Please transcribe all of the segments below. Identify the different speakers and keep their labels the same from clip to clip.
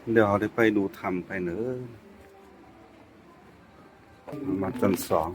Speaker 1: เดี๋ยวเราได้ไปดูทำไปเนอะมาจนสอง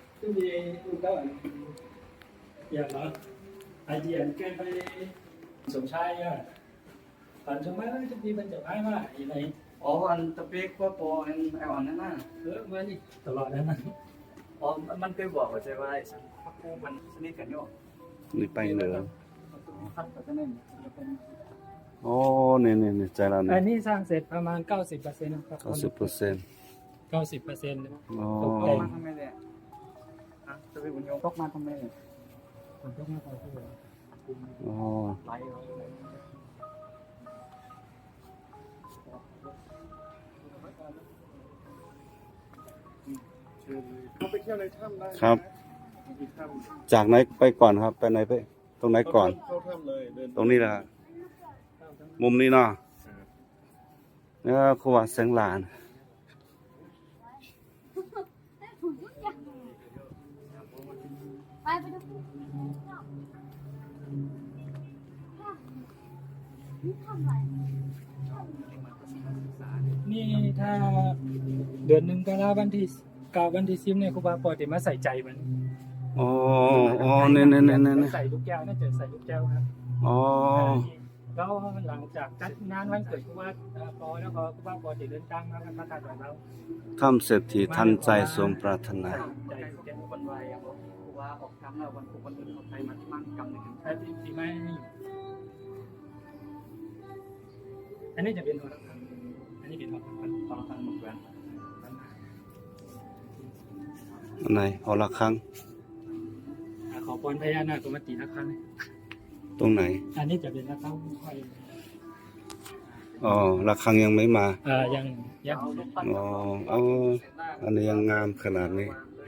Speaker 2: อย่างเหรอไอเดียแกไปสมชายอ่ะฝันสมัยนั้นจะมีบรรจบให้ว่าอะไร
Speaker 3: อ๋ออันตะเปียกว่าปออันไออ่อนนั่นน่ะ
Speaker 2: มานี่ตลอดนั้นนะ
Speaker 3: อ๋อมันเคยบอกว่าใช่ว่าไอ้สันพักกูมันสนิทกันอยู่
Speaker 1: นี่ไปเนอะ
Speaker 3: พักกันนั่น
Speaker 1: โอ้เนี่ยใจเราเนี่ย
Speaker 2: อันนี้สร้างเสร็จประมาณ 90%ครับ
Speaker 1: 90%
Speaker 2: 90%
Speaker 1: อ๋อ
Speaker 3: ตกมาทำไมเนี่ยอ่ะจะไปบุญยงตกมาทำไมเนี่ย
Speaker 2: มันต้องมาต่อที่
Speaker 1: อ๋อ
Speaker 3: ไหล
Speaker 4: เขาไปเที่ยวในถ้ำได้
Speaker 1: ครับ
Speaker 4: มีถ้ำ
Speaker 1: จากไหนไปก่อนครับไปไหนไปตรงไหนก่อน
Speaker 4: เข้าถ้ำเลยเดิน
Speaker 1: ตรงนี้แหละมุมนี้เนาะนี่ก็ครัวเสียงหลาน
Speaker 5: ไปดูนี่ทำอะไร
Speaker 2: นี่ถ้าเดือนหนึ่งก็แล้ววันที่วันที่10เนี่ยครูบาปอติมาใส่ใจมัน
Speaker 1: อ๋อเนี่ย
Speaker 2: ใส่ลูกแก้วน่าจะใส่ลูกแก้วครับ
Speaker 1: อ๋อ
Speaker 2: แล้วหลังจากจัดงานวันเกิดครูบาปอแล้วก็ครูบาปอติเดินทางมากันมาตัดของเรา
Speaker 1: ทำเศรษฐีทันใจสมปรารถนา
Speaker 3: ใจแกคนไวอ่ะบอกว่าออกคำแล้ววันผูกวันอื่นเขาไทยมาที่มั่งกำหนึ่ง
Speaker 2: ถ้าที่ไม่นี่อันนี้จะเป็นหัวละครังอันนี้เป็นหัวละครัง
Speaker 3: ตอนทางมุกแวน
Speaker 1: อันไหนเอาละครั้ง
Speaker 2: ขอพรพญานาคมาตีละครั้ง
Speaker 1: ตรงไหน
Speaker 2: อันนี้จะเป็นละครั้งค่อย
Speaker 1: อ๋อละครั้งยังไม่มา
Speaker 2: ยัง
Speaker 3: เอาลูกปั้น
Speaker 1: อ๋อเอาอันนี้ยังงามขนาดนี้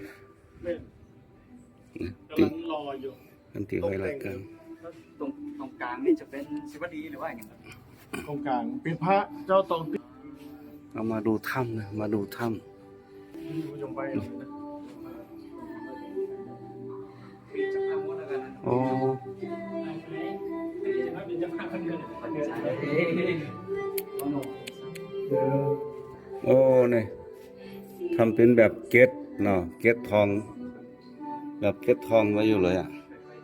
Speaker 4: กำลังรออยู่
Speaker 1: อันที่ไว้รายการ
Speaker 3: ตรงกลางนี่จะเป็นศิวดีหรือว่าอย่างไร
Speaker 4: โครงการเป็นพระเจ้าตองติ
Speaker 1: เอามาดูถ้ำนะมาดูถ้
Speaker 4: อยู่ยงไป
Speaker 3: มีจักรพรรดิแล้วกันนะ
Speaker 1: ำโอ้
Speaker 2: เป็นเจ้าภาพคนเดียว
Speaker 3: ปัจจัยต้องหนุ
Speaker 1: โอ้เนี่ยทำเป็นแบบเกล็ดเนาะเกล็ดทอง แบบเกล็ดทองไว้อยู่เลยอ่ะ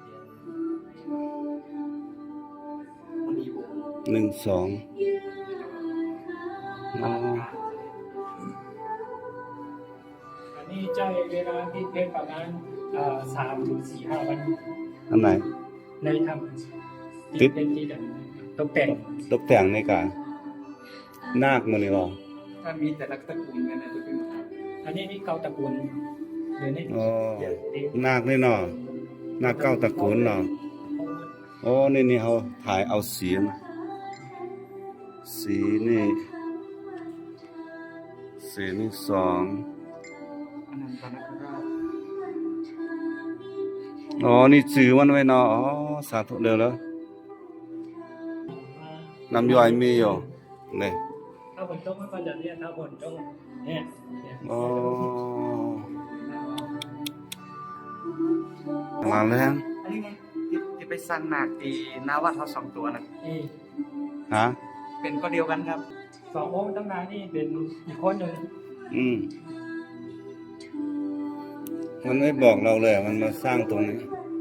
Speaker 1: 1 2อ๋อ
Speaker 2: อันนี้ใช้เวลาที่เทศประมาณ3 ถึง 4 5 วัน
Speaker 1: อันไหน
Speaker 2: ในทำเป็นที่ตกแต่ง
Speaker 1: ตกแต่งในกานาคมันนี่หรอ
Speaker 3: ถ้ามีแต่ละตระกูลกันนะจะเป็น
Speaker 2: อันนี้นี่เกาตระกูลเดี๋ยวนี้
Speaker 1: อ๋อนาคนี่เนาะนาคเก้าตระกูลเนาะโอ้นี่เขาถ่ายเอาสีนะสีนี่2
Speaker 3: อนันตนาคราช
Speaker 1: อ๋อ นี่จือมันไว้เนาะ อ๋อ สาธุเร็วแล้วน้ำย่อยมีอยู่นี่
Speaker 2: ถ้าฝนตกมันก็จะเนี่ยถ้าฝนตกเนี่ย
Speaker 1: อ๋อมาแล้ว
Speaker 3: อันนี้ไงที่ไปสร้างหนักที่นาวัดเขา2 ตัวนะ
Speaker 2: นี่
Speaker 1: ฮะ
Speaker 3: เป็นก็เดียวกันครับ
Speaker 2: 2 องค์ตั้งนานนี่เป็นอีกคนหนึ่ง
Speaker 1: มันไม่บอกเราเลย มันมาสร้างตรงนี้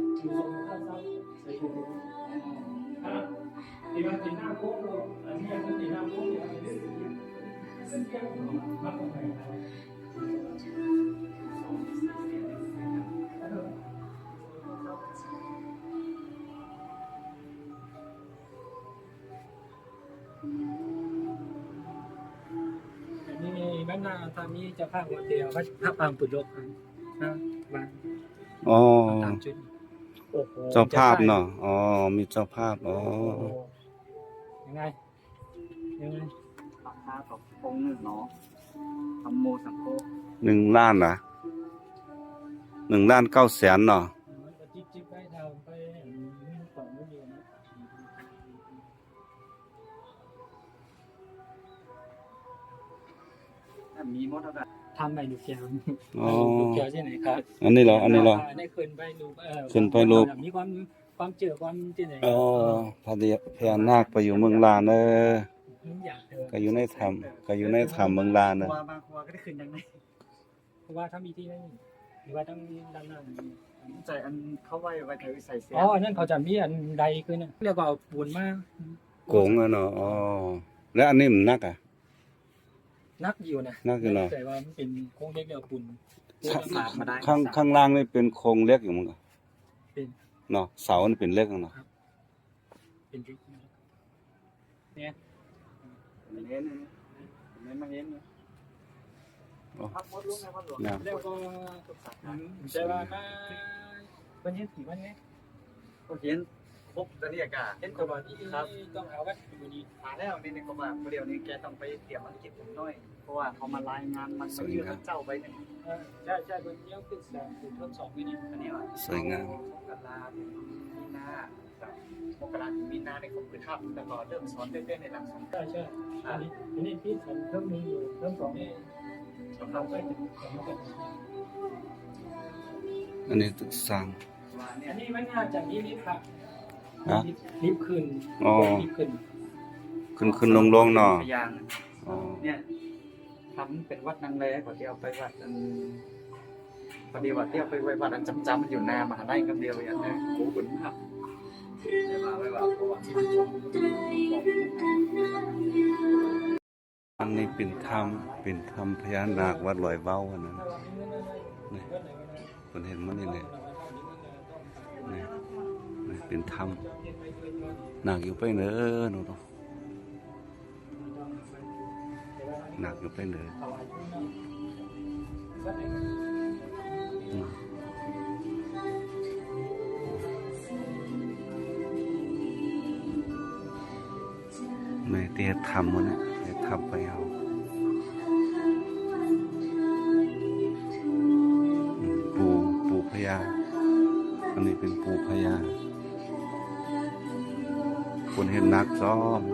Speaker 2: ที่มันติดหน้าโค้งอันนี้มันติดหน้าโค้งเนี่ยซึ่งเกี่ยวกับมันเป็นไงนี่บ้านนาตอนนี้จะภาคหัวเดียวว่าภาคปางปุโรกนะบ้าน
Speaker 1: อ๋อ
Speaker 2: ตามจุดโอ้โห
Speaker 1: เจ้าภาพเนาะ อ๋อ มีเจ้าภาพ อ๋อ
Speaker 2: ยังไงยังไง
Speaker 3: ราคาต่อองค์หนึ่งเนาะธรรมโมสังโฆ
Speaker 1: 1 ล้านนะ1,900,000เนาะ
Speaker 2: จิ๊บไปทำไปไม่ต่อไม่เดียวนะ
Speaker 3: ถ้ามีหมดแล้วกัน
Speaker 2: ทำใบลูกแก้ว
Speaker 1: อ๋อ
Speaker 2: ลูกแก้วที่ไหนครับ
Speaker 1: อันนี้เหรอ อันนี้เหรอ
Speaker 2: ได้ขึ้นไปรูป
Speaker 1: ขึ้นไปรูป
Speaker 2: มีความเจอความที่ไหน
Speaker 1: อ๋อพญานาคไปอยู่เมืองลานเออ
Speaker 2: มันอยากเดิน
Speaker 1: ก็อยู่ในถ้ำก็อยู่ในถ้ำเมืองลาน
Speaker 3: ครั
Speaker 1: นะ
Speaker 3: วบางครัวก็ได้ขึ้นยังไง
Speaker 2: เพราะว่าถ้ามีที่นั่นหรือว่าต้องด้านหน้า
Speaker 3: ใจอันเข้าไว้เธอใส่เสีย
Speaker 2: อ๋ออันนั้นเขาจะมีอันใดขึ้นนะเรียกว่าเอาปูนมาก
Speaker 1: โกงอะเนาะอ๋อแล้วอันนี้มันนักอ่ะ
Speaker 2: นักอยู่นะ
Speaker 1: นักอยู่เนอะ
Speaker 2: แต่ว่ามันเป็นโค้งเล็กเรียกว่าปูน
Speaker 3: สาดมาได้
Speaker 1: ข้างล่างนี่เป็นโครงเล็กอยู่มั้งอะ
Speaker 2: เป็น
Speaker 1: เนาะเสานี่เป็นเล็กอะเนาะ
Speaker 2: เป็นริกเนี่ย
Speaker 3: เน้นมาเน้นพักมดลุกนะพักหลวง
Speaker 1: นะ
Speaker 2: แล้วก็ใช่ว่ามาวันนี้ถือว่าไง
Speaker 3: ก็เห็นครบตอนนี้อากาศ
Speaker 2: เห็นตัวที่ต้องเอาไว้อยู่ดี
Speaker 3: มาแล้วนี่ในกรมเดี๋ยวนี้แกต้องไปเตรียมภารกิจผมด้วยเพราะว่าเขามารายงานมันยืนเจ้าไปเนี่ย
Speaker 2: ใช่วันนี้ขึ้นทดสอบไปนี่
Speaker 3: อันนี้ว่า
Speaker 1: สวยงาม
Speaker 3: มกราถึงมีนาครับมกราถึงมีนาในครบคือทับแต่ก่อนเริ่มสอนเต้นในหลักสูตร
Speaker 2: ใช่อันนี้ที่ฉันเริ่มมีอยู่เริ่มสองนี่เราก็จะ
Speaker 1: อันนี้ตึกสร้าง
Speaker 3: ว่าเนี่
Speaker 2: อั
Speaker 3: ย
Speaker 2: นนี้มันน่าจะมีลิฟต์ครับ
Speaker 1: ฮะ
Speaker 2: ลิฟต์ขึ้น
Speaker 1: อ๋อ
Speaker 2: ลิฟต์ขึ้น
Speaker 1: ขึ้นลงเนาะ
Speaker 3: พยาง
Speaker 1: อ๋อ
Speaker 3: เนี่ยทำเป็นวัดนางแลก่อนที่เอาไปวัดอันพอดีว่าที่เอาไปไว้วัดอันจำมันอยู่นามหาได้กันเดียวอย่างนี้โอ้โหมากไม่ว่าเพราะว่าที่ชม
Speaker 1: อันนี้เป็นถ้ำพญานาควัดลอยเว้าอันนั้นนี่เพิ่นเห็นมันนี่เลยนี่นี่เป็นถ้ำหนักอยู่ไปเด้อหนูเนาะหนักอยู่ไปเด้ออืมในเตียทำมันเนี่ยเตียทำไปเอาปูพญาอันนี้เป็นปูพญาคนเห็นนักซ้อม